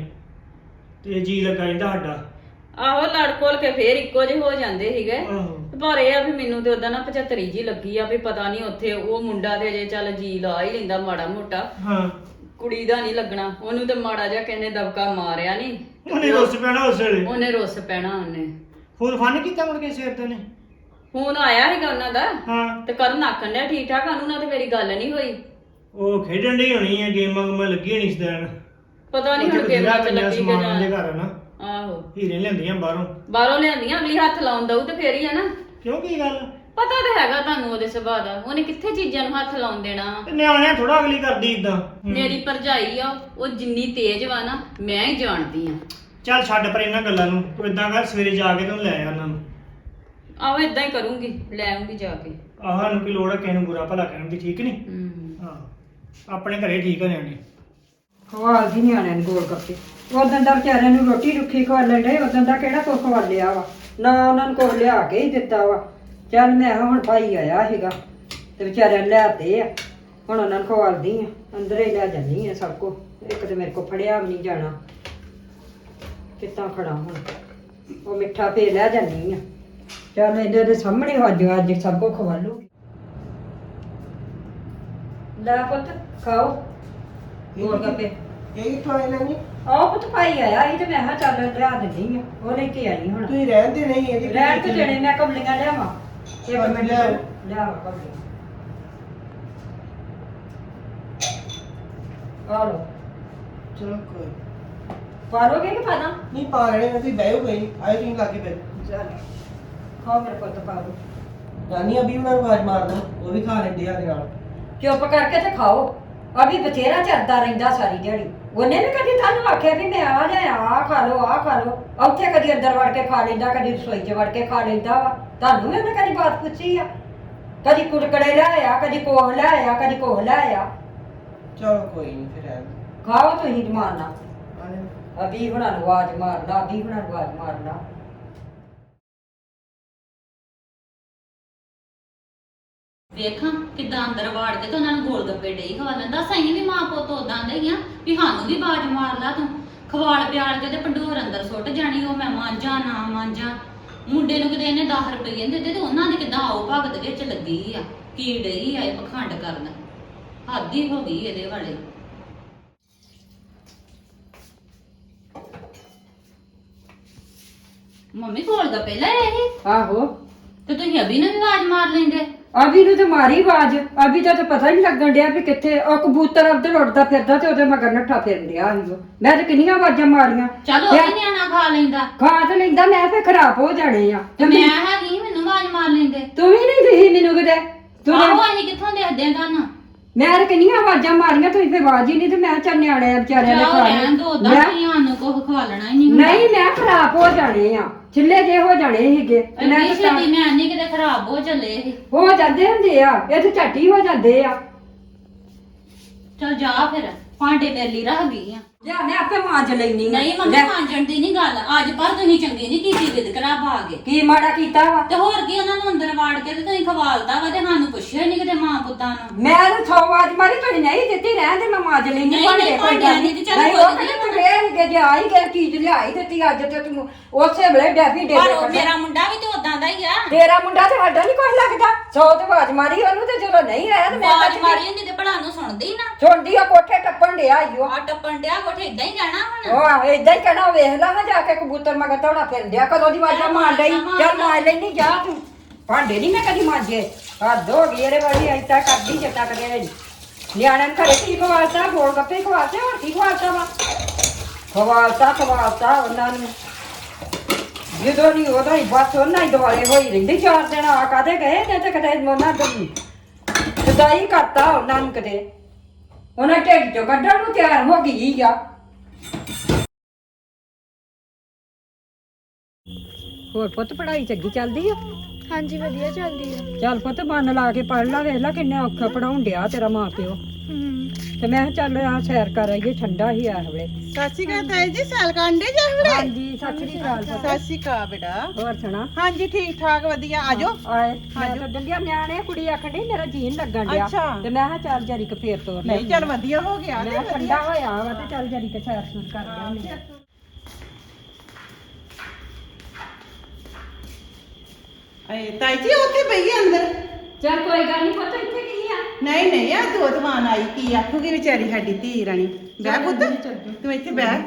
Speaker 6: ਤੇ ਜੀ ਲੱਗਾ ਰਹਿੰਦਾ ਸਾਡਾ।
Speaker 3: ਆਹੋ ਲੜ ਕੋਲ ਕੇ ਫੇਰ ਇੱਕੋ ਜਿਹੇ ਹੋ ਜਾਂਦੇ ਸੀਗੇ।
Speaker 6: ਆਹੋ
Speaker 3: ਪਰ ਇਹ ਆ ਵੀ ਮੈਨੂੰ ਤੇ ਉਹਦਾ ਨਾ 75 ਜੀ ਲੱਗੀ ਆ ਵੀ ਪਤਾ ਨਹੀਂ ਉੱਥੇ ਉਹ ਮੁੰਡਾ ਤੇ ਅਜੇ ਚੱਲ ਜੀ ਲਾ ਹੀ ਲੈਂਦਾ ਮਾੜਾ ਮੋਟਾ।
Speaker 6: ਹਾਂ,
Speaker 3: ਕੁੜੀ ਦਾ ਨਹੀਂ ਲੱਗਣਾ ਉਹਨੂੰ। ਤੇ ਮਾੜਾ ਜਿਹਾ ਕਹਿੰਦੇ ਦਬਕਾ ਮਾਰਿਆ ਨਹੀਂ,
Speaker 6: ਉਹਨੇ ਰੁੱਸ ਪੈਣਾ ਉਸ ਵੇਲੇ।
Speaker 3: ਉਹਨੇ ਰੁੱਸ ਪੈਣਾ। ਉਹਨੇ
Speaker 6: ਫੋਨ ਫਨ ਕੀਤਾ ਮੁੜ ਕੇ ਸਵੇਰ ਤੇ ਨੇ।
Speaker 3: ਫੋਨ ਆਇਆ ਸੀਗਾ ਉਹਨਾਂ ਦਾ
Speaker 6: ਹਾਂ,
Speaker 3: ਤੇ ਕਰਨ ਆਖਣ ਡਿਆ ਠੀਕ ਠਾਕ। ਉਹਨੂੰ ਨਾਲ ਤੇ ਮੇਰੀ ਗੱਲ ਨਹੀਂ ਹੋਈ।
Speaker 6: ਉਹ ਖੇਡਣ ਡਈ ਹੋਣੀ ਆ, ਗੇਮਾਂ ਗੁਮਾਂ ਲੱਗੀ ਹੋਣੀ ਇਸ ਦਿਨ।
Speaker 3: ਪਤਾ ਨਹੀਂ ਹੁਣ ਗੇਮਾਂ ਚ ਲੱਗੀ ਕਿ
Speaker 6: ਸਮਾਨ ਦੇ
Speaker 3: ਜਾਂ
Speaker 6: ਘਰ ਨਾ
Speaker 3: ਆਹੋ
Speaker 6: ਹੀਰੇ ਲਿਆਂਦੀਆਂ ਬਾਹਰੋਂ।
Speaker 3: ਬਾਹਰੋਂ ਲਿਆਂਦੀਆਂ, ਅਗਲੀ ਹੱਥ ਲਾਉਣ ਦਊ ਤੇ ਫੇਰ ਹੀ ਆ ਨਾ।
Speaker 6: ਕਿਉਂ ਕੀ ਗੱਲ?
Speaker 3: ਪਤਾ ਤੇ ਹੈਗਾ ਤੁਹਾਨੂੰ ਉਹਦੇ ਸੁਭਾਅ ਦਾ। ਉਹਨੇ ਕਿੱਥੇ ਚੀਜ਼ਾਂ ਨੂੰ ਹੱਥ ਲਾਉਣ ਦੇਣਾ।
Speaker 6: ਤੇ ਨਿਆਣਿਆਂ ਥੋੜਾ ਅਗਲੀ ਕਰਦੀ ਇਦਾਂ।
Speaker 3: ਮੇਰੀ ਭਰਜਾਈ ਆ ਉਹ ਜਿੰਨੀ ਤੇਜ਼ ਵਾ ਨਾ ਮੈਂ ਹੀ ਜਾਣਦੀ ਆ।
Speaker 6: ਚੱਲ ਛੱਡ ਪਰ ਇਹਨਾਂ ਗੱਲਾਂ ਨੂੰ। ਤੂੰ ਇਦਾਂ ਕਰ, ਸਵੇਰੇ ਜਾ ਕੇ ਤੂੰ ਲੈ ਆ ਉਹਨਾਂ ਨੂੰ।
Speaker 3: ਆਹੋ ਇਦਾਂ ਹੀ ਕਰੂੰਗੀ, ਲੈ ਆਉਂਗੀ ਜਾ ਕੇ।
Speaker 6: ਆਹ ਸਾਨੂੰ ਕੀ ਲੋੜ ਹੈ ਕਿਸੇ ਨੂੰ ਬੁਰਾ ਭਲਾ ਕਹਿਣ ਦੀ, ਠੀਕ ਨਹੀਂ? ਹਾਂ, ਆਪਣੇ ਘਰੇ ਠੀਕ ਆ ਨਿਆਣੇ।
Speaker 4: ਖਵਾਲਦੀ ਨਿਆਣਿਆਂ ਨੂੰ ਗੋਲ ਗੱਪੇ। ਉਦੋਂ ਦਾ ਵਿਚਾਰਿਆਂ ਨੂੰ ਰੋਟੀ ਰੁੱਖੀ ਖਵਾਲਣ ਡੇ। ਉਦੋਂ ਦਾ ਕਿਹੜਾ ਕੁਛ ਖਵਾਲਿਆ ਵਾ? ਨਾ ਉਹਨਾਂ ਨੂੰ ਕੁਛ ਲਿਆ ਕੇ ਹੀ ਦਿੱਤਾ ਵਾ। ਚੱਲ ਮੈਂ ਕਿਹਾ ਹੁਣ ਭਾਈ ਆਇਆ ਸੀਗਾ ਤੇ ਵਿਚਾਰਿਆਂ ਨੂੰ ਲਿਆਤੇ ਆ, ਹੁਣ ਉਹਨਾਂ ਨੂੰ ਖਵਾਲਦੀ ਆ। ਅੰਦਰ ਹੀ ਲੈ ਜਾਂਦੀ ਆ ਸਭ ਕੁਛ। ਇੱਕ ਤੇ ਮੇਰੇ ਕੋਲ ਫੜਿਆ ਵੀ ਨਹੀਂ ਜਾਣਾ, ਕਿੱਦਾਂ ਖੜਾ ਹੁਣ? ਉਹ ਮਿੱਠਾ ਭੇ ਲੈ ਜਾਂਦੀ ਆ। ਚੱਲ ਇਹਦੇ ਦੇ ਸਾਹਮਣੇ ਅੱਜ ਸਭ ਕੁਛ ਖਵਾ ਲੂਗੀ। ਲੈ ਪੁੱਤ ਖਾਓ ਗੋਲ ਗੱਪੇ।
Speaker 2: ਇਹ ਕਿੱਥੋਂ ਆਏ ਲੈਣੀ?
Speaker 4: ਆਹ ਪੁੱਤ ਭਾਈ ਆਇਆ ਸੀ ਤੇ ਮੈਂ ਕਿਹਾ ਚੱਲ ਲਿਆ ਦਿੰਦੀ ਆ। ਉਹ ਲੈ ਕੇ ਆਈ ਹੁਣ।
Speaker 2: ਤੁਸੀਂ ਰਹਿੰਦੇ ਨਹੀਂ ਇਹਦੀ
Speaker 4: ਰਹਿਣ ਤੇ ਜਣੇ ਮੈਂ ਕਮਲੀਆਂ ਲਿਆਵਾਂ। ਇੱਕ
Speaker 2: ਹਾਂ,
Speaker 4: ਮਿੰਟ
Speaker 2: ਲਿਆਓ।
Speaker 4: ਲਿਆਵਾਂ ਕਮਲੀਆਂ। ਆ ਲੋ
Speaker 2: ਚਲੋ ਕੋਈ
Speaker 4: ਪਾਲੋਗੇ ਕਿ ਪਾਣਾ?
Speaker 2: ਨਹੀਂ ਪਾ ਰਹੇ ਨੇ, ਤੁਸੀਂ ਬਹਿਓ ਕੋਈ ਆਏ ਤੁਸੀਂ ਲਾਗੇ ਪਏ।
Speaker 4: ਚੱਲ ਖਾਓ ਮੇਰੇ ਪੁੱਤ ਪਾ ਲੋ।
Speaker 2: ਨਾਨੀ ਅਭੀ ਉਹਨਾਂ ਨੂੰ ਆਵਾਜ਼ ਮਾਰਦਾ, ਉਹ ਵੀ ਖਾ ਲੈਂਦੇ ਆ ਦੇ ਨਾਲ।
Speaker 4: ਚੁੱਪ ਕਰਕੇ ਤੇ ਖਾਓ। ਅਭੀ ਬਥੇਰਾ ਚਰਦਾ ਰਹਿੰਦਾ ਸਾਰੀ ਦਿਹਾੜੀ। ਉਹਨੇ ਵੀ ਕਦੀ ਤੁਹਾਨੂੰ ਆਖਿਆ ਵੀ ਮੈਂ ਆ ਲਿਆ ਆ ਖਾ ਲੋ ਆ ਖਾ ਲੋ। ਉੱਥੇ ਕਦੀ ਅੰਦਰ ਵੜ ਕੇ ਖਾ ਲੈਂਦਾ, ਕਦੀ ਰਸੋਈ 'ਚ ਵੜ ਕੇ ਖਾ ਲੈਂਦਾ ਵਾ। ਤੁਹਾਨੂੰ ਵੀ ਉਹਨੇ ਕਦੀ ਬਾਤ ਪੁੱਛੀ ਆ? ਕਦੀ ਕੁੜਕੜੇ ਲਿਆਇਆ, ਕਦੀ ਕੋਹ ਲਿਆਇਆ, ਕਦੀ ਕੋਹ ਲਿਆਇਆ।
Speaker 2: ਚਲੋ ਕੋਈ ਨਹੀਂ ਫਿਰ ਰਹਿਣ ਦਿਓ।
Speaker 4: ਖਾਓ ਤੁਸੀਂ ਮਾਰਨਾ ਅਭੀ ਹੁਣਾਂ ਨੂੰ ਆਵਾਜ਼ ਮਾਰਨਾ ਅਭੀ ਹੁਣਾਂ ਨੂੰ ਆਵਾਜ਼ ਮਾਰਨਾ
Speaker 3: ਵੇਖਾਂ ਕਿਦਾਂ ਅੰਦਰ ਵਾੜ ਕੇ ਤੇ ਉਹਨਾਂ ਨੂੰ ਗੋਲ ਗੱਪੇ ਡਈ ਖਵਾ ਲੈਂਦਾ ਸਹੀ ਵੀ ਮਾਂ ਪੁੱਤ ਉਦਾਂ ਦੇ ਹੀ ਆ ਵੀ ਸਾਨੂੰ ਵੀ ਬਾਜ ਮਾਰ ਲਾ ਤੂੰ ਖਵਾਲ ਪਿਆਲ ਕੇ ਤੇ ਪੰਡੂਰ ਅੰਦਰ ਸੁੱਟ ਜਾਣੀ ਉਹ ਮੈਂ ਮਾਂਜਾਂ ਨਾ ਮਾਂਜਾਂ ਮੁੰਡੇ ਨੂੰ ਕਿਤੇ ਇਹਨੇ 10 ਰੁਪਏ ਦਿੱਤੇ ਤੇ ਉਹਨਾਂ ਦੀ ਕਿਦਾਂ ਆਓ ਭਗਤ ਵਿੱਚ ਲੱਗੀ ਆ ਕੀ ਡਈ ਆ ਇਹ ਪਖੰਡ ਕਰਨ ਹੱਦ ਹੀ ਹੋ ਗਈ ਇਹਦੇ ਵਾਲੇ ਮੰਮੀ ਕੋਲ ਗੱਪੇ ਲੈ ਇਹ
Speaker 4: ਆਹੋ
Speaker 3: ਤੇ ਤੁਸੀਂ ਅਭੀ ਨੂੰ ਵੀ ਆਵਾਜ਼ ਮਾਰ ਲੈਂਦੇ
Speaker 4: ਅਭੀ ਨੂੰ ਤੇ ਮਾਰੀ ਆਵਾਜ਼ ਅਭੀ ਦਾ ਤਾਂ ਪਤਾ ਹੀ ਨਹੀਂ ਲੱਗਣ ਡਿਆ ਵੀ ਕਿੱਥੇ ਉਹ ਕਬੂਤਰ ਉੱਧਰ ਉੱਡਦਾ ਫਿਰਦਾ ਤੇ ਉਹਦੇ ਮਗਰ ਨੱਠਾ ਫਿਰਨ ਡਿਆ ਸੀ ਉਹ। ਮੈਂ ਤੇ ਕਿੰਨੀਆਂ ਆਵਾਜ਼ਾਂ ਮਾਰੀਆਂ
Speaker 3: ਚਲੋ ਉਹ ਵੀ ਨਿਆਣਾ ਖਾ ਲੈਂਦਾ
Speaker 4: ਖਾ ਤੇ ਲੈਂਦਾ ਮੈਂ ਫੇ ਖਰਾਬ ਹੋ ਜਾਣੇ ਆ
Speaker 3: ਤੇ ਮੈਂ ਹੈਗੀ ਮੈਨੂੰ ਆਵਾਜ਼ ਮਾਰ ਲੈਂਦੇ
Speaker 4: ਤੂੰ ਵੀ ਨਹੀਂ ਦਿਖੀ ਮੈਨੂੰ ਕਿਤੇ ਤੂੰ
Speaker 3: ਆਹੋ ਅਸੀਂ ਕਿੱਥੋਂ ਦੇਖਦੇ ਆਂ ਤੁਹਾਨੂੰ
Speaker 4: ਮੈਂ ਤੇ ਕਿੰਨੀਆਂ ਆਵਾਜ਼ਾਂ ਮਾਰੀਆਂ ਤੁਸੀਂ ਫੇ ਆਵਾਜ਼ ਹੀ ਨਹੀਂ ਤੇ ਮੈਂ ਚੱਲ ਨਿਆਣੇ ਆ ਵਿਚਾਰਿਆਂ ਨੇ
Speaker 3: ਚਲੋ
Speaker 4: ਖਾ
Speaker 3: ਰਹਿਣ ਦੋ ਉਦਾਂ
Speaker 4: ਲਿਆ
Speaker 3: ਨਹੀਂ ਸਾਨੂੰ ਕੁਝ ਖਵਾਲਣਾ ਹੀ ਨਹੀਂ ਹੁੰਦਾ।
Speaker 4: ਨਹੀਂ ਮੈਂ ਖਰਾਬ ਹੋ ਜਾਣੇ ਆ ਛਿੱਲੇ ਜੇ ਹੋ ਜਾਣੇ ਸੀਗੇ ਤੇ ਮੈਂ
Speaker 3: ਇੰਨੀ
Speaker 4: ਤਾਂ
Speaker 3: ਛੇਤੀ ਮੈਂ ਨਹੀਂ ਕਿਤੇ ਖਰਾਬ ਹੋ ਚੱਲੇ ਇਹ
Speaker 4: ਹੋ ਜਾਂਦੇ ਹੁੰਦੇ ਆ ਇਹ ਤੇ ਝੱਟੀ ਹੋ ਜਾਂਦੇ ਆ
Speaker 3: ਚਲ ਜਾ ਫਿਰ ਭਾਂਡੇ ਮੇਰੇ ਲਈ ਰੱਖ ਗਈ ਆ
Speaker 4: ਲਿਆ ਮੈਂ ਆਪੇ ਮਾਂਜ ਲੈਣੀ
Speaker 3: ਨਹੀਂ ਮੰਮੀ ਮਾਂਜਣ ਦੀ ਨਹੀਂ ਗੱਲ ਅੱਜ ਪਰ ਤੁਸੀਂ ਚੰਗੀ ਨਹੀਂ ਕੀਤੀ ਵਿਦਕਰਾ ਪਾ ਕੇ
Speaker 4: ਕੀ ਮਾੜਾ ਕੀਤਾ ਵਾ
Speaker 3: ਤੇ ਹੋਰ ਕੀ ਉਹਨਾਂ ਨੂੰ ਅੰਦਰ ਵਾੜ ਕੇ ਤੇ ਤੁਸੀਂ ਖਵਾਲਤਾ ਵਾ ਤੇ ਸਾਨੂੰ ਪੁੱਛਿਆ ਨਹੀਂ ਕਿਤੇ ਮਾਂ ਪੁੱਤਾਂ ਨੂੰ
Speaker 4: ਮੈਂ ਤਾਂ 100 ਆਵਾਜ਼ ਮਾਰੀ ਤੁਸੀਂ ਨਹੀਂ ਦਿੱਤੀ ਰਹਿਣ ਦੇ ਮੈਂ ਮਾਂਜ ਲੈਣੀ
Speaker 3: ਨਹੀਂ, ਨਹੀਂ, ਭਾਂਡਿਆਂ ਦੀ ਤੇ ਚੱਲ
Speaker 4: ਨਹੀਂ
Speaker 3: ਕੋਈ
Speaker 4: ਉਹ
Speaker 3: ਨਹੀਂ,
Speaker 4: ਕਹਿੰਦੇ ਤੂੰ ਇਹ ਕਿ ਜੇ ਆਈ ਗਏ ਚੀਜ਼ ਲਿਆਈ ਦਿੱਤੀ ਅੱਜ ਤੇ ਤੂੰ ਉਸੇ ਵੇਲੇ ਡੈਫੀ ਦੇ
Speaker 3: ਪਰ
Speaker 4: ਦੇ
Speaker 3: ਉਹ
Speaker 4: ਕੱਢਿਆ।
Speaker 3: ਮੇਰਾ ਮੁੰਡਾ ਵੀ ਤੇ ਉਦਾਂ ਦਾ ਹੀ ਆ
Speaker 4: ਤੇਰਾ ਮੁੰਡਾ ਤੇ ਸਾਡਾ ਨਹੀਂ ਕੁਝ ਲੱਗਦਾ 100 ਤੇ ਆਵਾਜ਼ ਮਾਰੀ ਉਹਨੂੰ ਤੇ ਜਦੋਂ ਨਹੀਂ ਆਇਆ ਤੇ ਮੈਂ
Speaker 3: ਆਵਾਜ਼
Speaker 4: ਤਾਂ
Speaker 3: ਮਾਰੀ ਹੁੰਦੀ ਤੇ ਭਲਾ ਨੂੰ ਸੁਣਦੀ ਨਾ
Speaker 4: ਛੋਂਡੀ ਆ ਕੋਠੇ ਟੱਪਣ ਡਿਆ ਈਓ
Speaker 3: ਆ ਟੱਪਣ ਡਿਆ ਕੋਠੇ ਇਦਾਂ ਹੀ ਕਹਿਣਾ ਹੁਣ
Speaker 4: ਉਹ ਏਦਾਂ ਹੀ ਕਹਿਣਾ ਵੇਖ ਲਾ ਨਾ ਜਾ ਕੇ ਕਬੂਤਰ ਮਗਰ ਦੌੜਾ ਫਿਰਦਿਆ ਕਦੋਂ ਦੀ ਆਵਾਜ਼ਾਂ ਮਾਰ ਲਈ ਚੱਲ ਮਾਰ ਲੈਣੀ ਜਾ ਤੂੰ ਭਾਂਡੇ ਨਹੀਂ ਮੈਂ ਕਦੀ ਮਾਂਜੇ ਹੱਦ ਹੋ ਗਈ ਇਹਦੇ ਵਾਲੀ ਐਸਾ ਕਰਦੀ ਜੇ ਤੱਕ ਦੇ ਨਿਆਣਿਆਂ ਨੂੰ ਘਰੇ ਕੀ ਖਵਾਲਤਾ ਗੋਲ ਗੱਪੇ ਖਵਾਲਤੇ ਹੋਰ ਕੀ ਖਵਾਲਤਾ ਵਾ ਖਵਾਲਤਾ ਉਹਨਾਂ ਨੂੰ ਜਦੋਂ ਨਹੀਂ ਉਦੋਂ ਹੀ ਬਸ ਉਹਨਾਂ ਹੀ ਦੁਆਲੇ ਹੋਈ ਰਹਿੰਦੀ 4 ਦਿਨ ਆ ਕਾਦੇ ਗਏ ਤੇ ਕਦੇ ਉਹਨਾਂ ਦੀ ਸਦਾਈ ਕਰਤਾ ਉਹਨਾਂ ਨੂੰ ਕਦੇ ਉਹਨਾਂ ਢਿੱਡ ਚੋਂ ਕੱਢਣ ਨੂੰ ਤਿਆਰ ਹੋ ਗਈ ਆ ਹੋਰ ਪੁੱਤ ਪੜ੍ਹਾਈ ਚੰਗੀ ਚੱਲਦੀ ਆ
Speaker 5: ਹਾਂਜੀ ਵਧੀਆ ਚੱਲਦੀ ਆ
Speaker 4: ਚੱਲ ਪੁੱਤ ਮਨ ਲਾ ਕੇ ਪੜ੍ਹ ਲਾ ਵੇਖ ਲਾ ਕਿੰਨੇ ਔਖਾ ਪੜਾਉਣ ਡਿਆ ਤੇਰਾ ਮਾਂ ਪਿਓ ਤੇ ਮੈਂ ਕਿਹਾ ਚੱਲ ਆ ਸੈਰ ਕਰ ਆਈਏ ਠੰਡਾ ਹੀ ਆ ਹਵੇ
Speaker 7: ਸਤਿ ਸ਼੍ਰੀ ਅਕਾਲ ਤਾਈ ਜੀ ਸੈਲ ਕਾਂਡੇ ਜਾ ਹਲੇ
Speaker 4: ਹਾਂਜੀ ਸਤਿ ਸ੍ਰੀ ਅਕਾਲ ਪੁੱਤ
Speaker 7: ਸਤਿ ਸ਼੍ਰੀ ਅਕਾਲ ਬੇਟਾ
Speaker 4: ਹੋਰ ਸੁਣਾ
Speaker 7: ਹਾਂਜੀ ਠੀਕ ਠਾਕ ਵਧੀਆ ਆਜੋ
Speaker 4: ਆਏ ਮੈਂ ਤਾਂ ਡੰਡਿਆ ਨਿਆਣੇ ਕੁੜੀ ਆਖਣ ਡਈ ਮੇਰਾ ਜੀਨ ਲੱਗਣ ਡਿਆ
Speaker 7: ਅੱਛਾ।
Speaker 4: ਤੇ ਮੈਂ ਕਿਹਾ ਚੱਲ ਜਰੀ ਕ ਫੇਰ ਤੋਰ
Speaker 7: ਨਹੀਂ ਚੱਲ ਵਧੀਆ ਹੋ ਗਿਆ
Speaker 4: ਮੈਂ ਕਿਹਾ ਠੰਡਾ ਹੋਇਆ ਵਾ ਤੇ ਚੱਲ ਜਰੀ ਕ ਸੈਰ ਸੂਰ ਕਰ ਲਿਆਉਂਦੇ ਆ
Speaker 7: ਤਾਈ ਜੀ ਉੱਥੇ ਪਈ ਆ ਅੰਦਰ
Speaker 4: ਚੱਲ ਕੋਈ ਗੱਲ ਨਹੀਂ ਪੁੱਤ ਇੱਥੇ ਕੀ ਆ
Speaker 7: ਨਹੀਂ ਨਹੀਂ ਆ ਦੋਤਵਾਨ ਆਈ ਕੀ ਆਖੂਗੀ ਵਿਚਾਰੀ ਸਾਡੀ ਧੀ ਰਾਣੀ ਬਹਿ ਪੁੱਤ ਤੂੰ ਇੱਥੇ ਬਹਿ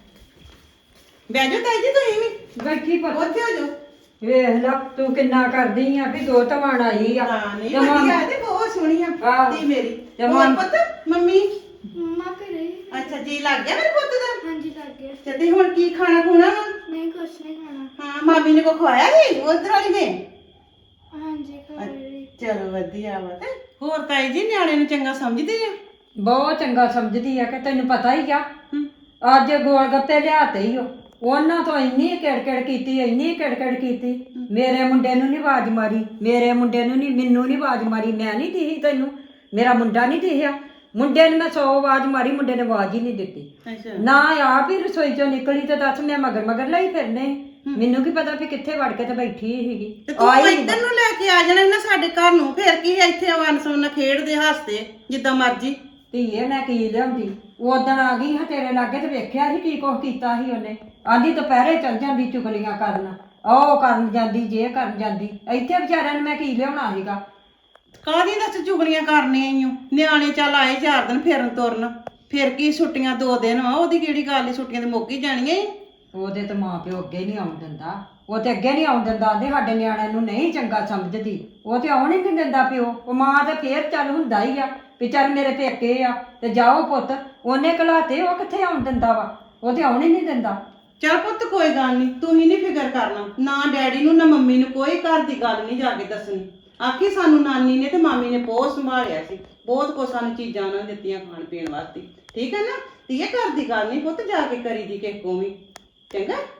Speaker 7: ਬਹਿ ਜਾ ਤਾਈ ਜੀ ਤੁਸੀਂ ਵੀ
Speaker 4: ਬੈਠੀ ਪੁੱਤ
Speaker 7: ਉੱਥੇ ਹੋ ਜਾਓ
Speaker 4: ਵੇਖ ਲਾ ਤੂੰ ਕਿੰਨਾ ਕਰਦੀ ਆ ਵੀ ਦੋ ਧਵਾਣ ਆਈ ਆ
Speaker 7: ਹਾਂ ਨਹੀਂ
Speaker 4: ਤੇ ਮਾਂ-
Speaker 7: ਵਧੀਆ ਤੇ ਬਹੁਤ ਸੋਹਣੀ ਆ
Speaker 4: ਆਹ।
Speaker 7: ਧੀ ਮੇਰੀ
Speaker 4: ਤੇ
Speaker 7: ਹੋਰ
Speaker 4: ਮਾਂ-
Speaker 7: ਪੁੱਤ ਮੰਮੀ
Speaker 5: ਮੰਮਾ ਘਰੇ
Speaker 7: ਅੱਛਾ ਜੀ ਲੱਗ ਗਿਆ ਮੇਰੇ ਪੁੱਤ ਦਾ
Speaker 5: ਹਾਂਜੀ ਲੱਗ ਗਿਆ
Speaker 7: ਤੇ ਤੁਸੀਂ ਹੁਣ ਕੀ ਖਾਣਾ ਖੂਣਾ ਵਾ?
Speaker 5: ਨਹੀਂ ਕੁਛ ਨਹੀਂ ਖਾਣਾ
Speaker 7: ਹਾਂ ਮਾਮੀ ਨੇ ਕੋ ਖਵਾਇਆ ਸੀ ਉਧਰ ਵਾਲੀ ਨੇ
Speaker 5: ਹਾਂਜੀ ਘਰੇ
Speaker 7: ਚਲੋ ਵਧੀਆ ਵਾ ਤੇ ਹੋਰ ਤਾਈ ਜੀ ਨਿਆਣੇ ਨੂੰ ਚੰਗਾ ਸਮਝਦੇ ਆ
Speaker 4: ਬਹੁਤ ਚੰਗਾ ਸਮਝਦੀ ਆ ਕਿ ਤੈਨੂੰ ਪਤਾ ਹੀ ਆ ਅੱਜ ਗੋਲ ਗੱਪੇ ਲਿਆਤੇ ਹੀ ਉਹ ਉਹਨਾਂ ਤੋਂ ਇੰਨੀ ਕਿੜਕਿੜ ਕੀਤੀ ਮੇਰੇ ਮੁੰਡੇ ਨੂੰ ਨਹੀਂ ਆਵਾਜ਼ ਮਾਰੀ ਮੇਰੇ ਮੁੰਡੇ ਨੂੰ ਨਹੀਂ ਮੈਨੂੰ ਨਹੀਂ ਆਵਾਜ਼ ਮਾਰੀ ਮੈਂ ਨਹੀਂ ਦਿਖੀ ਤੈਨੂੰ ਮੇਰਾ ਮੁੰਡਾ ਨਹੀਂ ਦਿਖਿਆ ਮੁੰਡੇ ਨੂੰ ਮੈਂ 100 ਆਵਾਜ਼ ਮਾਰੀ ਮੁੰਡੇ ਨੇ ਆਵਾਜ਼ ਹੀ ਨਹੀਂ ਦਿੱਤੀ
Speaker 7: ਅੱਛਾ
Speaker 4: ਨਾ ਆਪ ਹੀ ਰਸੋਈ ਚੋਂ ਨਿਕਲੀ ਤੇ ਦੱਸ ਮੈਂ ਮਗਰ ਲਈ ਫਿਰਨੇ ਮੈਨੂੰ ਕੀ ਪਤਾ ਵੀ ਕਿੱਥੇ ਵੜ ਕੇ ਤੇ ਬੈਠੀ ਸੀਗੀ
Speaker 7: ਤੇ ਤੂੰ
Speaker 4: ਆਈ
Speaker 7: ਇੱਧਰ ਨੂੰ ਲੈ ਕੇ ਆ ਜਾਣਾ ਨਾ ਸਾਡੇ ਘਰ ਨੂੰ ਫੇਰ ਕੀ ਹੈ ਇੱਥੇ ਵਨ ਸਵਨ ਖੇਡਦੇ ਹੱਸਦੇ ਜਿੱਦਾਂ ਮਰਜੀ
Speaker 4: ਧੀਏ ਮੈਂ ਕੀ ਲਿਆਉਂਦੀ ਉਦਣ ਆ ਗਈ ਹਾਂ ਤੇਰੇ ਲਾਗੇ ਤੇ ਵੇਖਿਆ ਸੀ ਕੀ ਕੁਛ ਕੀਤਾ ਸੀ ਉਹਨੇ ਆਂਦੀ ਦੁਪਹਿਰੇ ਚਲ ਜਾਂਦੀ ਚੁਗਲੀਆਂ ਕਰਨ ਉਹ ਕਰਨ ਜਾਂਦੀ ਜੇ ਕਰਨ ਜਾਂਦੀ ਇੱਥੇ ਵਿਚਾਰਿਆਂ ਨੂੰ ਮੈਂ ਕੀ ਲਿਆਉਣਾ ਸੀਗਾ
Speaker 7: ਕਾਹਦੀ ਦੱਸ ਚੁਗਲੀਆਂ ਕਰਨੀਆਂ ਈ ਓ ਨਿਆਣੇ ਚੱਲ ਆਏ 4 ਦਿਨ ਫਿਰਨ ਤੁਰਨ ਫਿਰ ਕੀ ਛੁੱਟੀਆਂ 2 ਦਿਨ ਆ ਉਹਦੀ ਕਿਹੜੀ ਗੱਲ ਈ ਛੁੱਟੀਆਂ ਤੇ ਮੁੱਕ ਹੀ ਜਾਣੀਆਂ ਈ।
Speaker 4: ਉਹਦੇ ਤੇ ਮਾਂ ਪਿਓ ਅੱਗੇ ਨਹੀਂ ਆਉਣ ਦਿੰਦਾ ਉਹ ਤੇ ਅੱਗੇ ਨਹੀਂ ਆਉਣ ਦਿੰਦਾ ਆਂਦੇ ਸਾਡੇ ਨਿਆਣਿਆਂ ਨੂੰ ਨਹੀਂ ਚੰਗਾ ਸਮਝਦੀ ਉਹ ਤੇ ਆਉਣ ਹੀ ਨਹੀਂ ਦਿੰਦਾ ਪਿਓ ਉਹ ਮਾਂ ਤੇ ਫੇਰ ਚੱਲ ਹੁੰਦਾ ਹੀ ਆ ਵੀ ਚੱਲ ਮੇਰੇ ਪੇਕੇ ਆ ਤੇ ਜਾਓ ਪੁੱਤ ਉਹਨੇ ਘਲਾਤੇ ਉਹ ਕਿੱਥੇ ਆਉਣ ਦਿੰਦਾ ਵਾ ਉਹ ਤੇ ਆਉਣ ਹੀ ਨਹੀਂ ਦਿੰਦਾ
Speaker 7: ਚੱਲ ਪੁੱਤ ਕੋਈ ਗੱਲ ਨਹੀਂ ਤੂੰ ਹੀ ਨਹੀਂ ਫਿਕਰ ਕਰਨਾ ਨਾ ਡੈਡੀ ਨੂੰ ਨਾ ਮੰਮੀ ਨੂੰ ਕੋਈ ਘਰ ਦੀ ਗੱਲ ਨਹੀਂ ਜਾ ਕੇ ਦੱਸਣੀ ਆਖੀ ਸਾਨੂੰ ਨਾਨੀ ਨੇ ਤੇ ਮਾਮੀ ਨੇ ਬਹੁਤ ਸੰਭਾਲਿਆ ਸੀ ਬਹੁਤ ਕੁਛ ਸਾਨੂੰ ਚੀਜ਼ਾਂ ਉਹਨਾਂ ਨੇ ਦਿੱਤੀਆਂ ਖਾਣ ਪੀਣ ਵਾਸਤੇ ਠੀਕ ਹੈ ਨਾ ਤੇ ਇਹ ਘਰ ਦੀ ਗੱਲ ਨਹੀਂ ਪੁੱਤ ਜਾ ਕੇ ਕਰੀ ਦੀ ਕਿਸੇ ਕੋਲ ਵੀ ਚੰਗਾ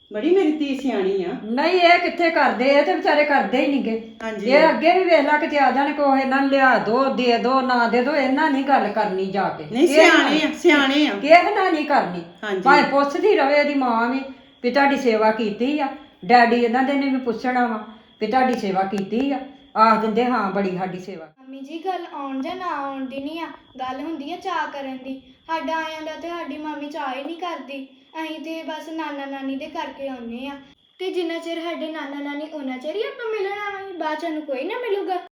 Speaker 7: ਬੜੀ ਮੇਰੀ ਧੀ ਸਿਆਣੀ ਆ।
Speaker 4: ਨਹੀਂ ਇਹ ਕਿੱਥੇ ਕਰਦੇ, ਇਹ ਤੇ ਵਿਚਾਰੇ ਕਰਦੇ ਹੀ ਨਹੀਂਗੇ।
Speaker 7: ਹਾਂਜੀ।
Speaker 4: ਇਹ ਅੱਗੇ ਵੀ ਵੇਖ ਲਾ ਕਿਤੇ ਆ ਜਾਣ ਕੋ ਇਹਨਾਂ ਨੂੰ ਲਿਆ ਦੋ ਦੇ ਦੋ ਨਾ ਦੇ ਦੋ, ਇਹਨਾਂ ਨਹੀਂ ਗੱਲ ਕਰਨੀ ਜਾ ਕੇ।
Speaker 7: ਨਹੀਂ ਸਿਆਣੇ ਆ, ਸਿਆਣੇ ਆ।
Speaker 4: ਕਿਸੇ ਨਾਲ ਨਹੀਂ ਕਰਨੀ।
Speaker 7: ਹਾਂਜੀ।
Speaker 4: ਭਾਵੇਂ ਪੁੱਛਦੀ ਰਵੇ ਇਹਦੀ ਮਾਂ ਵੀ ਤੁਹਾਡੀ ਸੇਵਾ ਕੀਤੀ ਆ, ਡੈਡੀ ਇਹਨਾਂ ਦੇ ਨੇ ਵੀ ਪੁੱਛਣਾ ਵਾ ਵੀ ਤੁਹਾਡੀ ਸੇਵਾ ਕੀਤੀ ਆ, ਆਖ ਦਿੰਦੇ ਹਾਂ ਬੜੀ ਸਾਡੀ ਸੇਵਾ।
Speaker 5: ਮੰਮੀ ਜੀ ਗੱਲ ਆਉਣ ਜਾਂ ਨਾ ਆਉਣ ਦੀ ਨਹੀਂ ਆ, ਗੱਲ ਹੁੰਦੀ ਆ ਚਾਅ ਕਰਨ ਦੀ। ਸਾਡਾ ਆਇਆਂ ਦਾ ਤੇ ਸਾਡੀ ਮਾਮੀ ਚਾਅ ਹੀ ਨਹੀਂ ਕਰਦੀ। ਅਸੀਂ ਤੇ ਬਸ ਨਾਨਾ ਨਾਨੀ ਦੇ ਕਰਕੇ ਆਉਂਦੇ ਆ, ਤੇ ਜਿੰਨਾ ਚਿਰ ਸਾਡੇ ਨਾਨਾ ਨਾਨੀ ਉਹਨਾਂ ਚਿਰ ਹੀ ਆਪਾਂ ਮਿਲਣ ਆਵਾਂਗੇ, ਬਾਅਦ ਚ ਸਾਨੂੰ ਕੋਈ ਨਾ ਮਿਲੂਗਾ।